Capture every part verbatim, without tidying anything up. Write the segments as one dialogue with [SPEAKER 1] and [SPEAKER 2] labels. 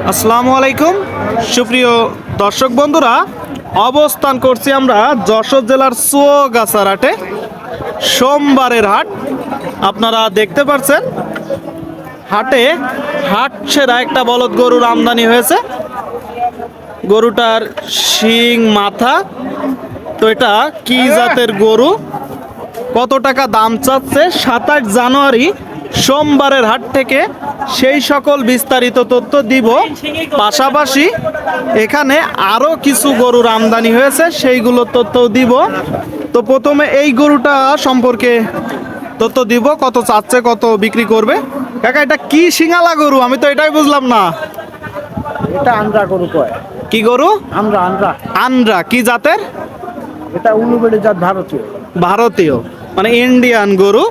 [SPEAKER 1] আসসালামু আলাইকুম সুপ্রিয় দর্শক বন্ধুরা, অবস্থান করছি আমরা যশোর জেলার চুয়াগাছার হাটে। সোমবারের হাট আপনারা দেখতে পাচ্ছেন। হাটে হাট সেরা একটা বলদ গরুর আমদানি হয়েছে। গরুটার শিং মাথা, তো এটা কি জাতের গরু, কত টাকা দাম চাচ্ছে সাতাশ জানুয়ারি সোমবারের হাট থেকে সেই সকল বিস্তারিত তথ্য দিব। পাশাপাশি এখানে আরও কিছু গরুর আমদানি হয়েছে, সেইগুলোর তথ্য দিব। তো প্রথমে এই গরুটা সম্পর্কে তথ্য দিব, কত চাচ্ছে, কত বিক্রি করবে। কাকা এটা কি সিঙ্গালা গরু, আমি তো এটাই বুঝলাম না।
[SPEAKER 2] এটা আন্দ্রা গরু কয়।
[SPEAKER 1] কি গরু?
[SPEAKER 2] আমরা আন্দ্রা।
[SPEAKER 1] আন্দ্রা কি জাতের?
[SPEAKER 2] এটা উলুবেড়ি জাত, ভারতীয়।
[SPEAKER 1] ভারতীয় মানে ইন্ডিয়ান গরু।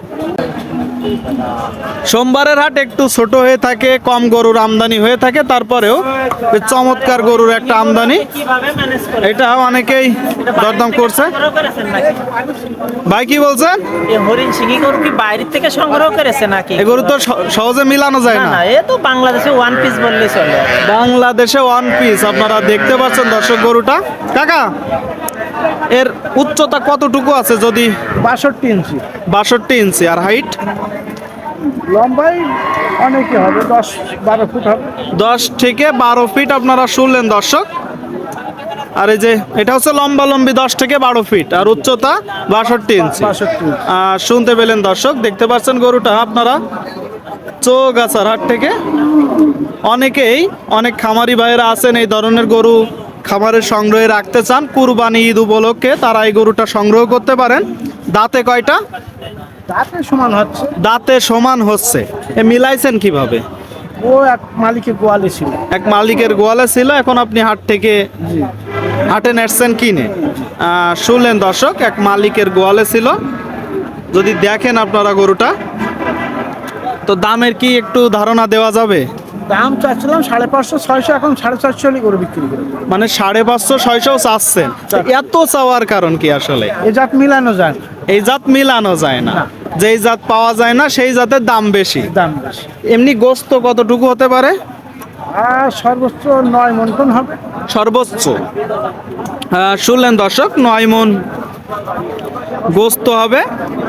[SPEAKER 1] সোমবারের হাট একটু ছোট হয়ে থাকে, কম গরুর আমদানি হয়ে থাকে, তারপরেও চমৎকার গরুর একটা আমদানি। এটা অনেকেই দরদাম করছে। ভাই কি বলছেন?
[SPEAKER 3] হরিণ সিংহী গরু কি বাইরের থেকে সংগ্রহ করেছে নাকি?
[SPEAKER 1] এই গরু তো স- সহজে মিলানো যায় না।
[SPEAKER 3] না, এ তো বাংলাদেশে ওয়ান পিস বললেই চলে।
[SPEAKER 1] বাংলাদেশে ওয়ান পিস আপনারা দেখতে পাচ্ছেন দর্শক গরুটা। কাকা এর উচ্চতা কতটুকু আছে যদি?
[SPEAKER 2] বাষট্টি ইঞ্চি।
[SPEAKER 1] বাষট্টি ইঞ্চি। আর হাইট?
[SPEAKER 2] লম্বাই অনেকে হবে, দশ বারো ফুট হবে।
[SPEAKER 1] দশ থেকে বারো ফিট আপনারা শুনলেন দর্শক। আর এই যে এটা হচ্ছে লম্বা লম্বি দশ থেকে বারো ফিট আর উচ্চতা বাষট্টি ইঞ্চি।
[SPEAKER 2] বাষট্টি ইঞ্চি।
[SPEAKER 1] আর শুনতে পেলেন দর্শক, দেখতে পাচ্ছেন গরুটা আপনারা চৌগাছার হাট থেকে। অনেকেই অনেক খামারি ভাইয়েরা আছেন এই ধরনের গরু খামারের সংগ্রহে রাখতে চান, কুরবানি ঈদ উপলক্ষে তারা এই গরুটা সংগ্রহ করতে পারেন। দাঁতে কয়টা?
[SPEAKER 2] তাতে সমান হচ্ছে।
[SPEAKER 1] দাঁতে সমান হচ্ছে। এ মিলাইছেন কিভাবে?
[SPEAKER 2] ও এক মালিকের গোয়ালে ছিল।
[SPEAKER 1] এক মালিকের গোয়ালে ছিল, এখন আপনি হাট থেকে হাটে নেটছেন কিনে। আহ, শুনলেন দর্শক, এক মালিকের গোয়ালে ছিল। যদি দেখেন আপনারা গরুটা, তো দামের কি একটু ধারণা দেওয়া যাবে?
[SPEAKER 2] দাম চাচ্ছিলাম সাড়ে পাঁচশো ছয়শো, এখন সাড়ে চারশো হলে গরু বিক্রি করে।
[SPEAKER 1] মানে সাড়ে পাঁচশো ছয়শো চাচ্ছেন, এত চাওয়ার কারণ কি আসলে?
[SPEAKER 2] এ জাত মিলানো যায় না।
[SPEAKER 1] এই জাত মিলানো যায় না, যেই জাত পাওয়া যায় না সেই জাতের দাম বেশি।
[SPEAKER 2] দাম বেশি।
[SPEAKER 1] এমনি গোস্ত কতটুকু হতে পারে?
[SPEAKER 2] আর সর্বোচ্চ নয় মন টন হবে।
[SPEAKER 1] সর্বোচ্চ আহ, শুনলেন দর্শক, নয় মন গোস্ত হবে।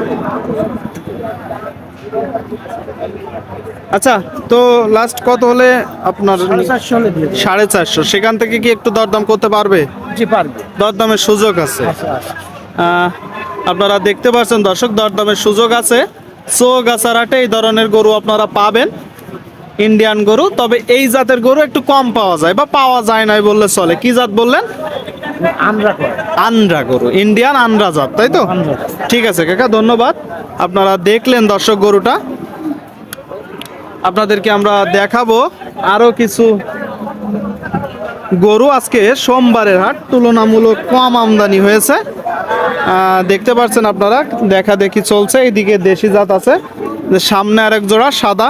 [SPEAKER 1] আচ্ছা, তো লাস্ট কত হলে আপনার?
[SPEAKER 2] সাড়ে চারশো হলে দিয়ে দেব।
[SPEAKER 1] সাড়ে চারশো। সেখান থেকে কি একটু দরদাম করতে পারবে?
[SPEAKER 2] জি পারবে।
[SPEAKER 1] দরদামের সুযোগ আছে।
[SPEAKER 2] আচ্ছা আচ্ছা।
[SPEAKER 1] আহ, আপনারা দেখতে পাচ্ছেন দর্শক, দরদামের সুযোগ আছে। চৌগাছার হাটে এই ধরনের গরু আপনারা পাবেন, ইন্ডিয়ান গরু। তবে এই জাতের গরু একটু কম পাওয়া যায়, বা পাওয়া যায় নাই বললে চলে। কি জাত বললেন?
[SPEAKER 2] আমরা কয়।
[SPEAKER 1] আন্দ্রা গরু, ইন্ডিয়ান আন্দ্রা জাত, তাই তো?
[SPEAKER 2] আন্দ্রা।
[SPEAKER 1] ঠিক আছে কাকা, ধন্যবাদ। আপনারা দেখলেন দর্শক গরুটা, আপনাদেরকে আমরা দেখাবো আরো কিছু গরু। আজকে সোমবারের হাট তুলনামূলক কম আমদানি হয়েছে, আহ, দেখতে পাচ্ছেন আপনারা, দেখা দেখি চলছে। এইদিকে দেশি জাত আছে, যে সামনে আরেক জোড়া সাদা।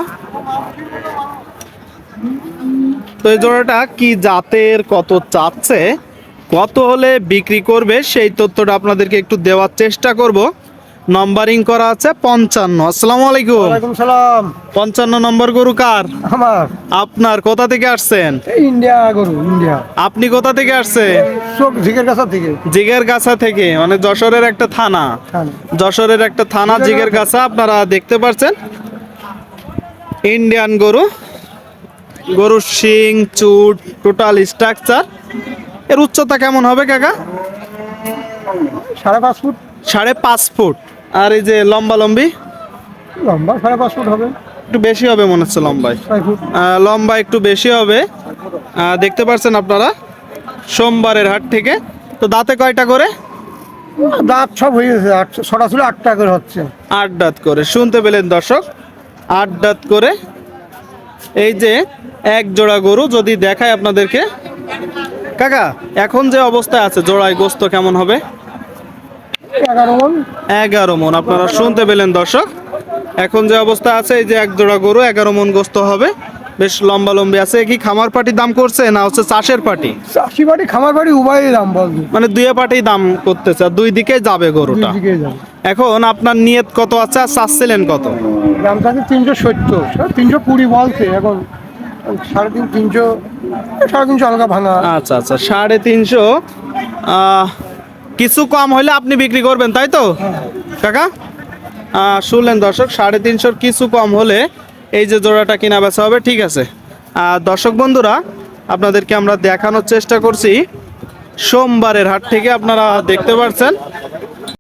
[SPEAKER 1] তো এই জোড়াটা কি জাতের, কত চাচ্ছে, কত হলে বিক্রি করবে, সেই তথ্যটা আপনাদেরকে একটু দেওয়ার চেষ্টা করব। নম্বরিং করা আছে পঞ্চান্ন। আসসালামু আলাইকুম।
[SPEAKER 2] ওয়ালাইকুম সালাম।
[SPEAKER 1] পঞ্চান্ন নম্বর গরু কার?
[SPEAKER 2] আমার
[SPEAKER 1] আপনার। কোথা থেকে আসছেন?
[SPEAKER 2] এই ইন্ডিয়া গরু, ইন্ডিয়া।
[SPEAKER 1] আপনি কোথা থেকে আসছে?
[SPEAKER 2] চোখ ঝিকের কাছা থেকে।
[SPEAKER 1] জিগের গাছা থেকে, মানে যশোরের একটা থানা। যশোরের একটা থানা জিগের গাছা। আপনারা দেখতে পাচ্ছেন ইন্ডিয়ান গরু, গরুর শিং চুট টোটাল স্ট্রাকচার। এর উচ্চতা কেমন হবে কাকা?
[SPEAKER 2] সাড়ে পাঁচ ফুট
[SPEAKER 1] সাড়ে পাঁচ ফুট। আর এই যে লম্বা লম্বি?
[SPEAKER 2] লম্বা সাড়ে পাঁচ ফুট হবে।
[SPEAKER 1] একটু বেশি হবে মনে হচ্ছে লম্বায়।
[SPEAKER 2] ছয় ফুট।
[SPEAKER 1] আহ, লম্বা একটু বেশি হবে। আহ, দেখতে পাচ্ছেন আপনারা সোমবারের হাট থেকে। তো দাঁতে কয়টা করে?
[SPEAKER 2] দাঁত সব হয়ে গেছে, আট- ছটা ছিল আটটা করে হচ্ছে।
[SPEAKER 1] আট দাঁত করে। শুনতে পেলেন দর্শক, আট দাঁত করে। এই যে এক জোড়া গরু যদি দেখায় আপনাদেরকে। কাকা এখন যে অবস্থায় আছে জোড়ায় গোস্ত কেমন হবে?
[SPEAKER 2] এগারো মন।
[SPEAKER 1] এগারো মন। আপনারা শুনতে পেলেন দর্শক, এখন যে অবস্থা আছে, এই যে এক জোড়া গরু এগারো মন গোস্ত হবে। বেশ লম্বা লম্বি আছে। কি খামার পাটি দাম করছে না হচ্ছে চাষের পাটি?
[SPEAKER 2] চাষি বাড়ি খামার বাড়ি উভয়ই দাম বলবে।
[SPEAKER 1] মানে দুই পাটি দাম করতেছে, আর দুই দিকে যাবে গরুটা।
[SPEAKER 2] দুই দিকেই যাবে।
[SPEAKER 1] এখন আপনার নিয়ত কত আছে আর চাচ্ছিলেন কত?
[SPEAKER 2] দাম থাকে তিনশো সত্তর, তিনশো কুড়ি বলছে এখন। সাড়ে তিন তিনশো সাড়ে তিনশো হালকা ভাঙা।
[SPEAKER 1] আচ্ছা আচ্ছা, সাড়ে তিনশো আহ, কিছু কম হলে আপনি বিক্রি করবেন তাই তো কাকা? আহ, শুনলেন দর্শক, সাড়ে তিনশোর কিছু কম হলে এই যে জোড়াটা কিনা বেচা হবে। ঠিক আছে আহ, দর্শক বন্ধুরা, আপনাদেরকে আমরা দেখানোর চেষ্টা করছি সোমবারের হাট থেকে। আপনারা দেখতে পাচ্ছেন